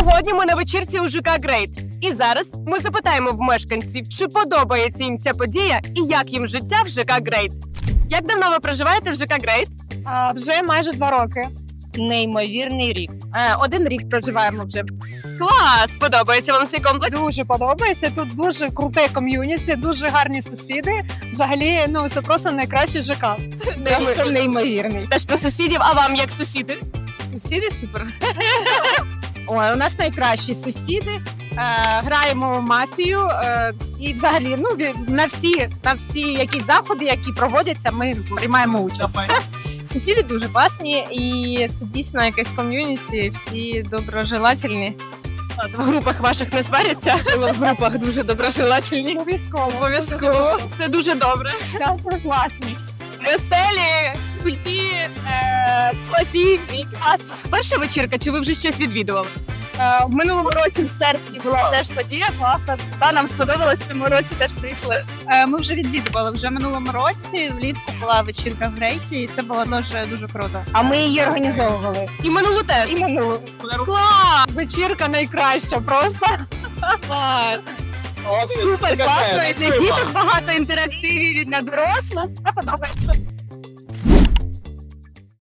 Сьогодні ми на вечірці у ЖК Грейт. І зараз ми запитаємо в мешканців, чи подобається їм ця подія і як їм життя в ЖК Грейт. Як давно ви проживаєте в ЖК Грейт? Вже майже 2 роки. Неймовірний рік. 1 рік проживаємо вже. Клас! Подобається вам цей комплекс? Дуже подобається. Тут дуже круте ком'юніті, дуже гарні сусіди. Взагалі, це просто найкращий ЖК. Просто неймовірний. Теж про сусідів, а вам як сусіди? Сусіди супер. Ой, у нас найкращі сусіди. Граємо в мафію. І взагалі, на всі якісь заходи, які проводяться, ми приймаємо участь. Сусіди дуже класні, і це дійсно якесь ком'юніті, всі доброжелательні. В групах ваших не сваряться? В групах дуже доброжелательні. Обов'язково. Це дуже добре. Так, класні. Веселі, культі, класні. Перша вечірка, чи ви вже щось відвідували? В минулому році в серпні була теж подія класна. Та нам сподобалось, в цьому році теж прийшли. Ми вже відвідували вже минулому році. Влітку була вечірка в Грейті, і це було дуже круто. А ми її організовували. І минулу теж. І минулу. Клас! Вечірка найкраща просто. Клас! Супер класно. І для діток багато інтерактивів, і для дорослих. Подобається.